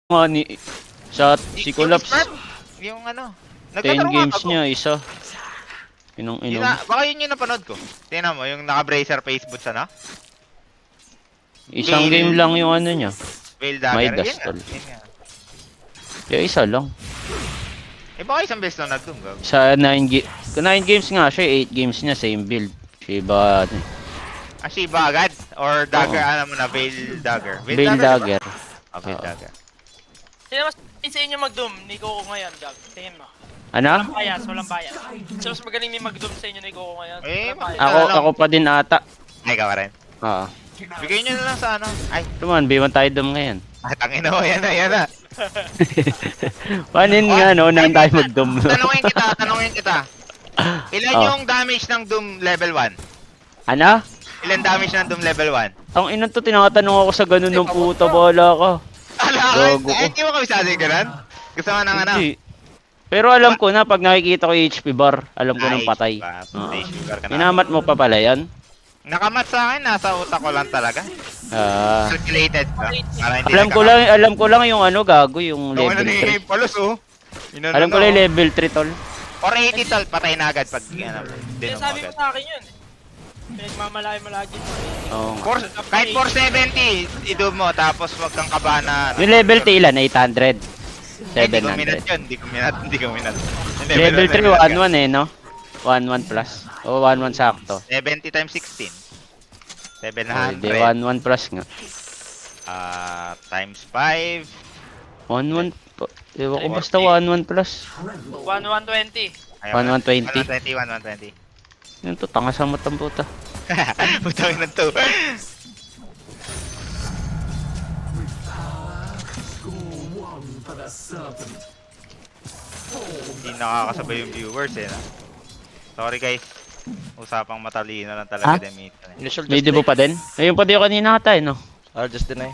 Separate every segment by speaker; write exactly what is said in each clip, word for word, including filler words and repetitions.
Speaker 1: nga ni sa si Collapse.
Speaker 2: Yung ano,
Speaker 1: ten
Speaker 2: nagtatanong
Speaker 1: games
Speaker 2: ako.
Speaker 1: niya isa. Inong
Speaker 2: Yun
Speaker 1: inom.
Speaker 2: na, baka yun yung napanood ko. Tingnan mo, yung naka-bracer face boots ano?
Speaker 1: Isang
Speaker 2: Veil-
Speaker 1: game lang yung ano niya.
Speaker 2: Veil
Speaker 1: May
Speaker 2: Dagger. Yun
Speaker 1: dust
Speaker 2: nga,
Speaker 1: tol.
Speaker 2: yun nga.
Speaker 1: Kaya isa lang.
Speaker 2: Eh baka isang beses lang nag-doom gag.
Speaker 1: Sa nine ga nine games nga siya, eight games niya same build. Shiba ano. eh.
Speaker 2: Ah, Shiba agad? Or Dagger,
Speaker 1: Oo.
Speaker 2: ano mo na, Veil Dagger?
Speaker 1: Veil Dagger.
Speaker 2: Diba? Ah, Veil
Speaker 1: Oo.
Speaker 2: Dagger.
Speaker 3: Sino mas sa inyo mag-doom? Ni Coco ngayon, Gag. Tingin mo.
Speaker 1: Ano?
Speaker 3: Walang bias, walang bias. Sino mas magaling may mag-doom sa inyo ni Coco ngayon?
Speaker 2: Eh,
Speaker 3: Walang bias.
Speaker 1: Ako
Speaker 2: Ano?
Speaker 1: ako pa din ata.
Speaker 2: Ay, ka pa rin.
Speaker 1: Ah.
Speaker 2: Bigay nyo na lang sa ano. Ay,
Speaker 1: Tuman, B one tayo dum ngayon.
Speaker 2: ah, tangin mo, yan na, yan na.
Speaker 1: Panin nga no, nang tayo mag-dum.
Speaker 2: Tanungin kita, tanungin kita. Ilan
Speaker 1: Oh.
Speaker 2: yung damage ng Doom level one?
Speaker 1: Ano?
Speaker 2: Ilan damage ng Doom level one?
Speaker 1: Ang ina to, tinatanong ako sa ganun ng puta, bala ka.
Speaker 2: Ala,
Speaker 1: Gago ko.
Speaker 2: eh, hindi mo kami sabi ganun? Gusto mo nang ano?
Speaker 1: Hindi. Pero alam ko na, pag nakikita ko yung H P bar, alam ko nang patay.
Speaker 2: Ah,
Speaker 1: Oo.
Speaker 2: H P bar ka na.
Speaker 1: Minamat mo pa pala yan?
Speaker 2: Nakamat sa akin, nasa utak ko lang talaga.
Speaker 1: Ah.
Speaker 2: Calculated ka. Para hindi
Speaker 1: Alam ko lang, alam ko lang yung ano gago, yung
Speaker 2: Yung ano
Speaker 1: level
Speaker 2: ni
Speaker 1: three.
Speaker 2: Palos oh. Inano
Speaker 1: Alam ko
Speaker 2: na,
Speaker 1: lang yung
Speaker 2: oh.
Speaker 1: level three tol.
Speaker 2: Or eighty tol, patay na agad pag ano,
Speaker 3: Hindi,
Speaker 2: dinom mo
Speaker 3: sabi mo
Speaker 2: agad.
Speaker 3: sa akin yun. Pinagmamalaki mo lagi.
Speaker 1: Oo nga.
Speaker 2: Four- kahit four seventy, idum mo, tapos wag kang kabahan na...
Speaker 1: Yung level three ilan? eight hundred?
Speaker 2: Eh, Hindi ko minat
Speaker 1: seven hundred.
Speaker 2: yun, hindi ko minat, hindi ko minat. Yung
Speaker 1: Level
Speaker 2: one,
Speaker 1: three,
Speaker 2: minat
Speaker 1: one
Speaker 2: ka.
Speaker 1: one eh, no? one one plus. O, one one sakto.
Speaker 2: seventy times sixteen. seven
Speaker 1: Oh, di
Speaker 2: hundred.
Speaker 1: one one plus nga.
Speaker 2: Ah, times five.
Speaker 1: one one, ewan ko basta one one plus.
Speaker 3: one one twenty.
Speaker 1: one one twenty.
Speaker 2: one twenty, one twenty.
Speaker 1: Yun to, tanga sa matang puta.
Speaker 2: Putang ina to. Hindi nakakasabay yung viewers eh. No? Sorry guys. Usapang matalino lang talaga
Speaker 1: Ha?
Speaker 2: din dito. Eh.
Speaker 4: Initial
Speaker 1: May debut pa din? Ayun pa din kanina ata eh, no?
Speaker 4: I'll just deny.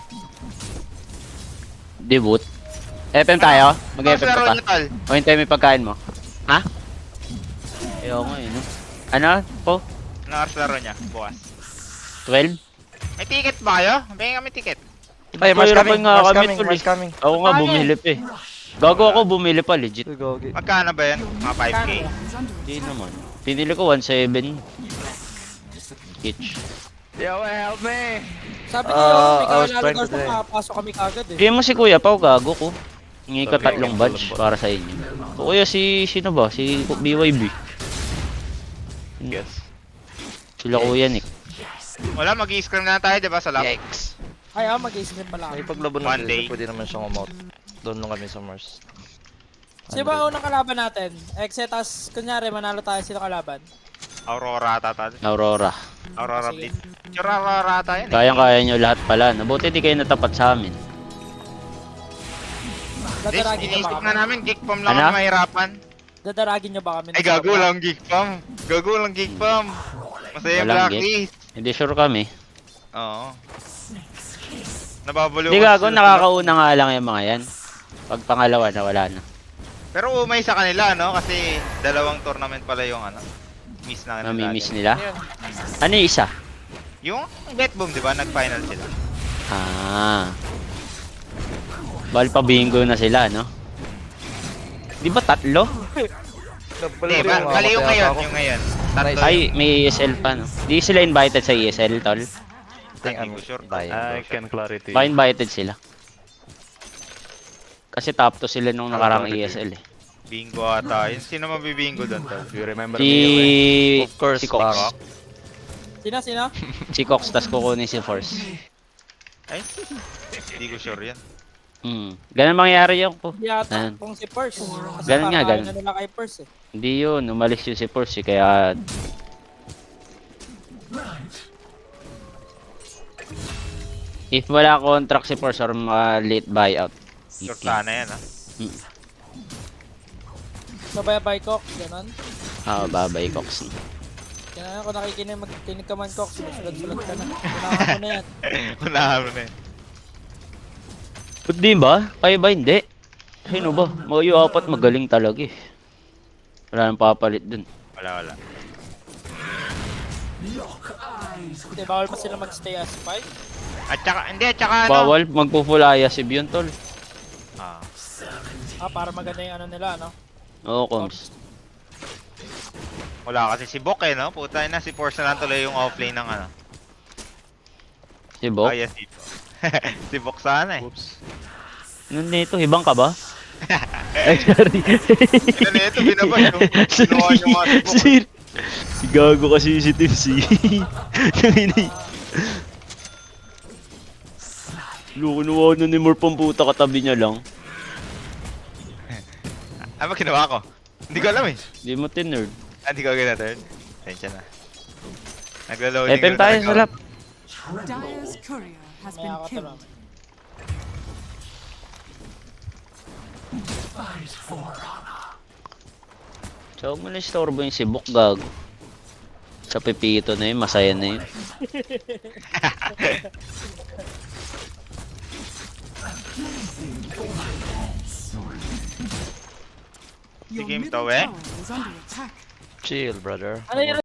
Speaker 1: Debut. F M tayo? Mag-F M
Speaker 2: Mas laro
Speaker 1: ka pa?
Speaker 2: niyo, tol.
Speaker 1: O hintay may pagkain mo? Ha? Ayaw nga eh, no? Ano? Po?
Speaker 2: Anong oras laro niya? Bukas.
Speaker 1: twelve?
Speaker 2: May ticket ba kayo? Bigyan kami ticket.
Speaker 4: Ay, Mars
Speaker 1: Mahirapan
Speaker 4: coming,
Speaker 1: nga
Speaker 4: Mars
Speaker 1: kami,
Speaker 4: coming,
Speaker 1: tol,
Speaker 4: Mars
Speaker 1: eh.
Speaker 4: coming.
Speaker 1: Ako nga
Speaker 2: Ano?
Speaker 1: bumili pa eh. Gago ako bumili pa, legit.
Speaker 4: Uy, gogi.
Speaker 2: Magkano ba yan? Mga five K.
Speaker 1: Hindi naman. Pinili ko one seven each.
Speaker 4: Yo, help me!
Speaker 3: Sabi
Speaker 4: Uh,
Speaker 3: niyo,
Speaker 4: I
Speaker 3: may
Speaker 4: was
Speaker 3: kakilala
Speaker 4: trying
Speaker 3: daw
Speaker 4: to
Speaker 3: siya,
Speaker 4: say.
Speaker 3: makapasok kami kagad eh.
Speaker 1: Bigyan mo si Kuya Pao, gago ko. Hingi ka
Speaker 4: Okay,
Speaker 1: tatlong
Speaker 4: okay,
Speaker 1: badge
Speaker 4: okay.
Speaker 1: para sa inyo. O kuya si, sino ba? Si B Y B.
Speaker 4: Yes.
Speaker 1: Sila kuya Nick.
Speaker 2: Wala, mag-i-scrim na tayo, di ba, sa lab?
Speaker 4: Yikes.
Speaker 3: Ay, ah, mag-i-scrim pala
Speaker 4: May
Speaker 3: kami.
Speaker 4: paglaban
Speaker 2: One
Speaker 4: na
Speaker 2: day.
Speaker 4: sila, pwede naman siyang umout. Doon lang kami sa Mars.
Speaker 3: Sino ba unang kalaban natin? Exe, tas kunyari, manalo tayo sino kalaban.
Speaker 2: Aurora ata tayo.
Speaker 1: Aurora.
Speaker 2: Aurora
Speaker 3: Sige.
Speaker 2: Blitz. Sure, Aurora ata yan eh.
Speaker 1: Kayang-kaya nyo lahat pala. Nabuti di kayo natapat sa amin.
Speaker 2: This,
Speaker 3: Dadaragin niyo ba
Speaker 2: iniisip
Speaker 3: kami?
Speaker 2: nga namin, geek pam lang
Speaker 1: Ano?
Speaker 2: ang mahirapan.
Speaker 3: Dadaragin niyo ba kami?
Speaker 2: Ay, gago lang geek pam. Gago lang geek pam. Masaya yung
Speaker 1: Walang
Speaker 2: blacklist.
Speaker 1: Hindi sure kami.
Speaker 2: Oo. Nababalo
Speaker 1: Hindi
Speaker 2: ko
Speaker 1: gago,
Speaker 2: sila.
Speaker 1: nakakauna nga lang yung mga yan. Pag pangalawa na, wala na.
Speaker 2: Pero umay sa kanila, no? Kasi dalawang tournament pala yung ano. Miss na nila.
Speaker 1: Namimiss nila. Ano yung isa?
Speaker 2: Yung Bet Boom, di ba? Nag-final sila.
Speaker 1: Ah. Bal pa bingo na sila, no? Di ba tatlo?
Speaker 2: Hindi, ba, mali yung ngayon. Yung ngayon. Tatlo
Speaker 1: Ay,
Speaker 2: yung-
Speaker 1: may E S L pa, no? Di sila invited sa E S L, tol.
Speaker 4: think
Speaker 2: Hindi
Speaker 4: I'm
Speaker 2: ko sure.
Speaker 4: buying.
Speaker 5: I can clarity.
Speaker 1: Ba invited sila? Kasi top to sila nung nakarang E S L eh.
Speaker 2: Bingo ata. Yun, sino mabibingo doon, tol?
Speaker 5: You remember
Speaker 1: Si...
Speaker 5: me?
Speaker 4: Of course,
Speaker 1: si Cox.
Speaker 4: Bak.
Speaker 3: Sino, sino?
Speaker 1: Si Cox, tas kukunin si Force.
Speaker 2: Ay, hindi ko sure yan.
Speaker 1: Hmm. Ganun mangyari yung po.
Speaker 3: Hindi yata
Speaker 1: Ayan.
Speaker 3: kung si Purse. Kasi
Speaker 1: Ganun nga,
Speaker 3: parang
Speaker 1: ganun.
Speaker 3: ayaw na nila kay Purse eh.
Speaker 1: Hindi yun, umalis yun si Force eh, kaya... If wala contract si Force or mga late buyout.
Speaker 2: Sure sana yan, ha?
Speaker 1: Hmm.
Speaker 3: Sabay-bay Cox, gano'n.
Speaker 1: Ah, babay Cox.
Speaker 3: Kaya kung nakikinig, magkinig ka man Cox, sulat-sulat ka na. Unahan mo na yan.
Speaker 2: Unahan mo na yun.
Speaker 1: Ba't di ba? Kaya ba hindi? Sino ba? Mga yung apat magaling talaga eh. Wala nang papalit dun.
Speaker 2: Wala, wala.
Speaker 3: Hindi, bawal pa sila magstay as five.
Speaker 2: At saka, hindi, at saka ano?
Speaker 1: Bawal, magpo-full ayasib yun tol.
Speaker 2: Ah.
Speaker 3: Ah, para maganda yung ano nila, no?
Speaker 1: Oo, Coms.
Speaker 2: Wala kasi si Bok eh, no? Puta na, si Force na lang tuloy yung offlane ng ano.
Speaker 1: Si Bok?
Speaker 2: Ah, yes, si Bok. Si Bok sana eh.
Speaker 4: Oops.
Speaker 1: Ano nito? Hibang ka ba? Ay, sorry.
Speaker 2: Ano na ito, binabas yung ginawa niyo nga si Bok.
Speaker 1: Sir. Si Gago kasi si Tim C. Nanginay. Lukunuha na ni Morph ang puta, katabi niya lang.
Speaker 2: Ano ba ginawa ko? Hindi ko alam eh.
Speaker 1: Di mo tinerd.
Speaker 2: Ah, hindi ko gina-turn. Tensya na. Naglo-loading
Speaker 1: F M tayo sa lap.
Speaker 5: Dire's courier has
Speaker 3: May
Speaker 5: been
Speaker 3: ako
Speaker 5: killed.
Speaker 1: So, huwag mo na istorbo yung si Bok, Gago. Sa pipito na yun, masaya na yun.
Speaker 5: Your
Speaker 2: game
Speaker 5: middle
Speaker 2: to, eh?
Speaker 5: tower is under attack.
Speaker 4: Chill, brother.
Speaker 3: Ano yun?